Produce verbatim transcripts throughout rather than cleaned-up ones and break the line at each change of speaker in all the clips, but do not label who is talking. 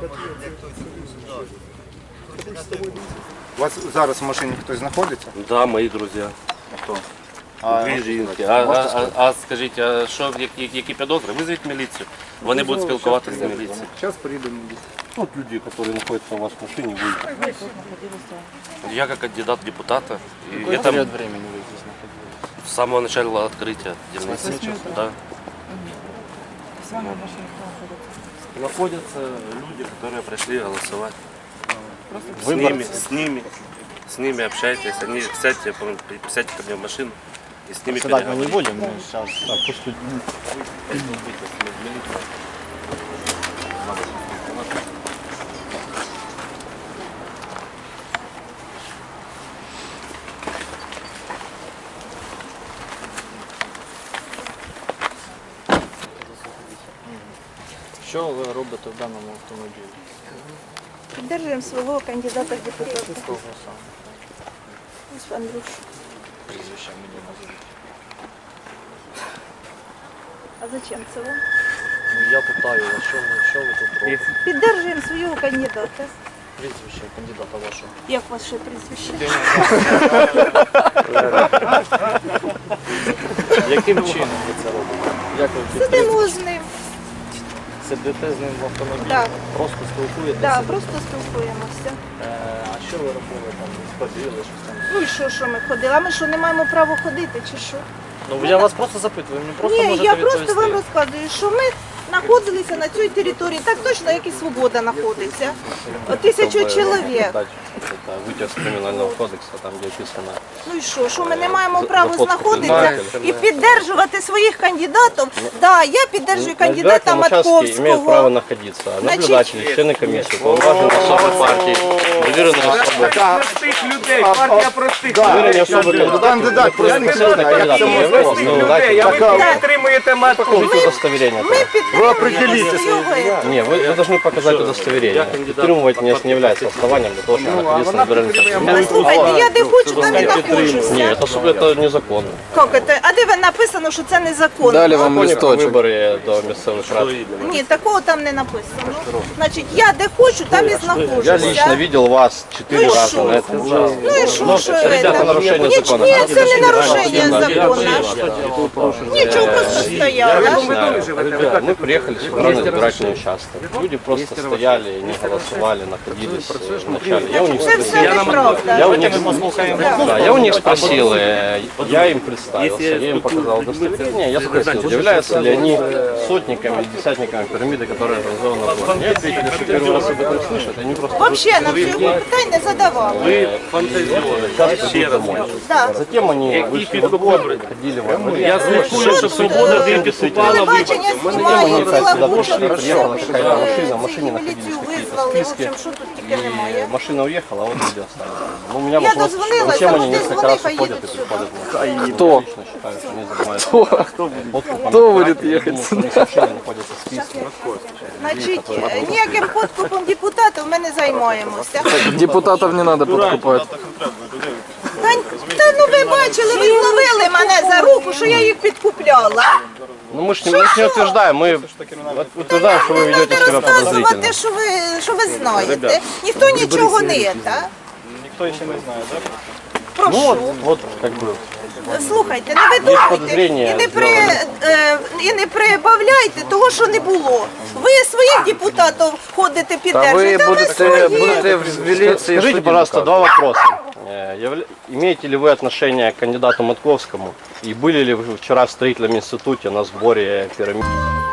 У вас зараз в машині хтось знаходиться?
Да, мої друзі.
Хто?
Дві жінки. А, а, а, а скажіть, а що, які, які підозри? Визвіть міліцію. Вони будуть спілкуватися з міліцією.
Зараз приїде міліція.
Вот люди, которые находятся в вашей машине, будут. Я как кандидат в депутата. И
Какой
это
период времени вы здесь находились?
с самого начала открытия дельницы. Да.
С вами в машине кто находится?
Находятся люди, которые пришли голосовать. С
Выборцы.
ними, с ними, с ними общайтесь. Они сядьте, по- сядьте ко мне в машину и с ними
Сюда мы не
переговорите.
будем, мы сейчас, да, пусть люди. Що ви робите в даному автомобілі?
Піддержуємо свого кандидата в депутати.
Кого саме?
Ось Андрюш.
Прізвище мені назвіть.
А зачем це вам?
Ну я питаю вас, що ви, що ви тут робите?
Піддержуємо свого кандидата.
Прізвище кандидата вашого.
Як ваше прізвище?
Яким чином ви це робите? Як ви підтримуєте?
Сидимо з ним.
Сидите з ним в автомобілі?
Так.
Просто спілкуєтеся?
Да, просто спілкуємося.
Е, а що ви робили там? Ходили, щось там?
Ну і що, що ми ходили? А ми що, не маємо права ходити чи що?
Ну я вас просто запитую, мені просто
Ні,
можете
я
відповісти.
просто вам розказую, що ми знаходилися на цій території, так точно, як і Свобода знаходиться. Тисячу чоловік.
Это вытек с криминального кодекса, там где описано.
Ну і що, що ми не маємо права
Заход
знаходитися
предпринимателя.
і підтримувати своїх кандидатів? Да, я підтримую кандидата
Участки имеют право
Матковського.
находиться. Наблюдатели, члены комиссии, полноважные особы партии, проверенные особы.
Простих людей, партія простих
Проверенные
людей.
особы
Кандидат
которые
простых
конкретно
людей.
кандидаты не являются,
Простих
но
людей, а
дайте
ви підтримуєте матку.
покажите удостоверение.
Ми
тогда.
підтримуємо його.
Не, вы, вы должны показать удостоверение. Підтримувати не, не является основанием для того, чтобы находиться на избирательном участке.
Слухайте, я де хочу, там і знаходжуся.
Нет, это, су- это незаконно.
Як це? А де ви написано, що це незаконно?
Далі вам листочок.
Вибори до місцевих рад.
Ні, такого там не написано. Значить, я де хочу, там і
Я
знаходжуся.
лично видел вас четыре
Ну и
раза
шо?
на этом участке.
Ну і що, що
Ребята,
це?
нарушение
Ні,
закона.
ні, це не нарушення закону. Нічого просто стояло.
Ребят, мы приехали с на избирательный участок. Люди просто стояли, не голосовали, находились э, вначале. Я у них
Це все
спросил,
неправда.
я у них, да, я у них спросил, э, я им представился, я им показал удостоверение, я спросил, являются ли они сотниками или десятниками пирамиды, которая образована в городе. Мне ответили, что первый раз об этом слышат, они просто
Взагалі нам цього питань не задавали.
вы фантазируете, ще раз.
Да.
Затем они вышли во двор, ходили во дворе. Я
слышал, что «Свобода»
дым
Телебачення знімає, ціла
сюда
куча
пришли, приехала какая-то машина, в машине
міліцію
находились
визвали, в
списки.
общем, що тут тільки немає.
И машина уехала, а вот люди остались. Ну, у меня
Я
вопрос,
дозвонилась,
зачем
а
они
вот
несколько
звони,
раз
поедут
уходят и
сюда.
приходят?
Кто?
Лично считаю, что они занимаются. Кто?
Кто будет ехать сюда?
Машина находится в списке.
Значить, ніяким подкупом депутатів ми не займаємося.
Депутатов не надо подкупать.
Та, та ну ви бачили, ви зловили мене за руку, що я їх підкупляла.
Ну мы же не, мы ж не утверждаем, мы утверждаем, что вы ведете себя подозрительно.
Розказувати, що ви, що ви знаєте. Ніхто нічого не є, так?
Никто еще не знает, да?
Прошу.
Ну вот, вот как бы.
Слухайте, не видумайте
подозріння
і не, при, е, і не прибавляйте того, що не було. Ви своїх депутатів ходите піддержуєте, а ми свої.
в милиции.
Скажите, пожалуйста, два вопроса. Э, явля- Имеете ли вы отношение к кандидату Матковскому? И были ли вы вчера в строительном институте на сборе пирамид?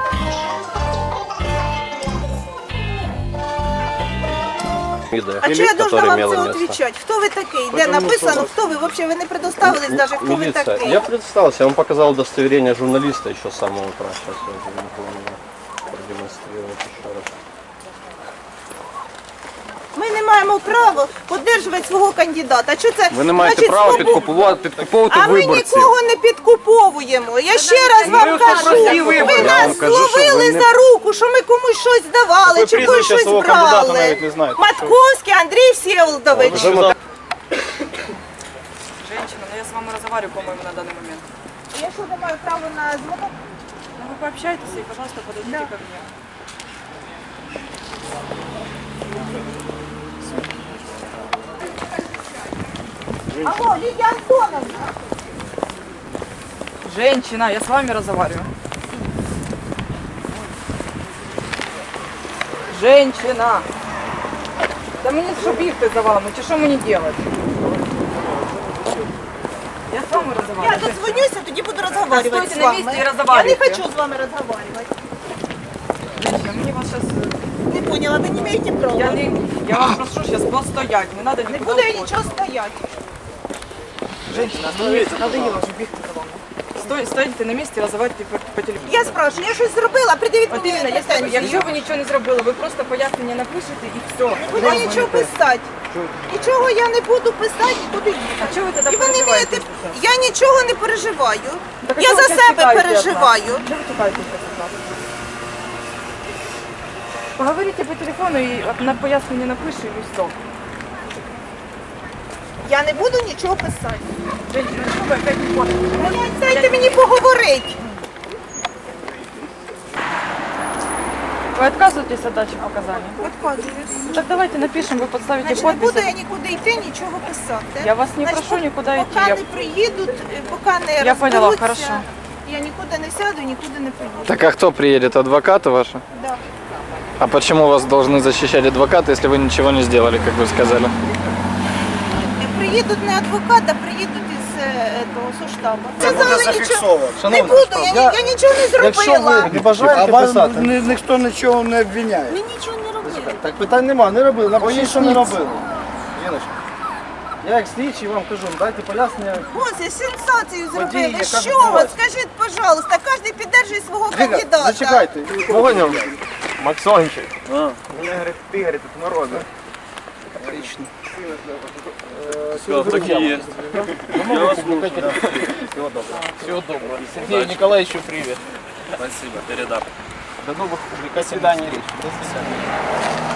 А чи я должна вам це відповідати? Хто ви такий? Де написано, хто ви? Взагалі ви не предоставились навіть, хто ви
Милиция.
такий.
Я представился, я вам показал удостоверение журналиста еще с самого утра. Сейчас я уже не помню продемонстрировать еще раз.
Ми не маємо права підтримувати свого кандидата. Що це?
Ви не маєте
значить,
права
свобода?
підкуповувати, підкуповувати
А ми
виборців.
нікого не підкуповуємо. Я ще раз вам кажу,
прості
ви
вибори.
нас
вам кажу, що
зловили
ви не-
за руку, що ми комусь щось давали,
Ви
чи комусь
прізвище
щось
свого кандидата
брали.
навіть не знаєте.
Матковський Андрій Всеволодович.
Женщина, но я с вами разговариваю, по-моему, на данный момент.
Я що не маю права на звонок?
Ну вы пообщайтесь и, пожалуйста, подойдите ко мне.
Алло, Лидия Антоновна.
Женщина, я с вами разговариваю. Женщина! Да мені що бігти за вами, чи що мені делать? Я з вами
Я
разговариваю.
дозвонюся, тоді буду розмовляти
Стойте
з
на
вами.
місці і
Я не
розмовляйте.
хочу з вами розмовляти.
Женщина, мені вас сейчас...
Не поняла, ви не маєте права.
Я, не, я вас прошу сейчас постоять, не надо
Не
никуда
буду я
уходить.
нічого стояти.
Женщина, остановіться, надоело вже бігти за вами. Стой, стойте на місці і розмовляйте по, по телефону.
Я спрашиваю, я щось зробила, придивіть
От
мені
іменно, якщо, ви-
претензії.
якщо ви нічого не зробили, ви просто пояснення напишете і все.
Буду я нічого писати. Нічого я не буду писати, буду їхати.
А чого ви тоді
І ви не
переживаєте?
вмієте, я нічого не переживаю.
Так а
Я
чого
за
ви
себе
тікаєте від нас?
переживаю.
Чого ви тікаєте від нас? Поговорите по телефону і от на пояснення напишу і все.
Я не буду нічого писати.
Женщина, що ви опять не хочете?
Блядь, Дайте мені поговорити.
Ви відказуєтесь від дачі показань?
Відказуюсь.
Так давайте напишем, ви підставите
Значить, не буду
подписи.
я нікуди йти, нічого писати.
Я вас не
Значить,
прошу
пок-
нікуди йти.
Поки
Я-
не приїдуть, е, поки не
Я поняла,
розберуться,
хорошо.
я нікуди не сяду, нікуди не поїду.
Так а кто приедет? Адвокаты ваши?
Да.
А почему вас должны защищать адвокаты, если вы ничего не сделали, как вы сказали?
Е, Приїдуть не адвокат, а приїдуть із е, того соштабу. Сказали нічого. Не буду, я, ні- я нічого не зробила.
Не бажаєте писати?
Ні, ніхто нічого не обвиняє.
Ми нічого не робили.
Так питань нема, не робили. Напишіть, що не робили. Жіночка, я як слідчий вам кажу, дайте пояснення.
Ось, сенсацію зробили.
яка
Що
відбулась.
ви? Скажіть, пожалуйста, кожен піддержує свого кандидата.
Зачекайте. Поняв.
Максончик.
Мене говорить, ти говорить, тут народ. Отлично.
Все, такі є. Всего доброго. Сергею Николаевичу привет. Спасибо, передам. До новых, до свидания, Речь. До свидания.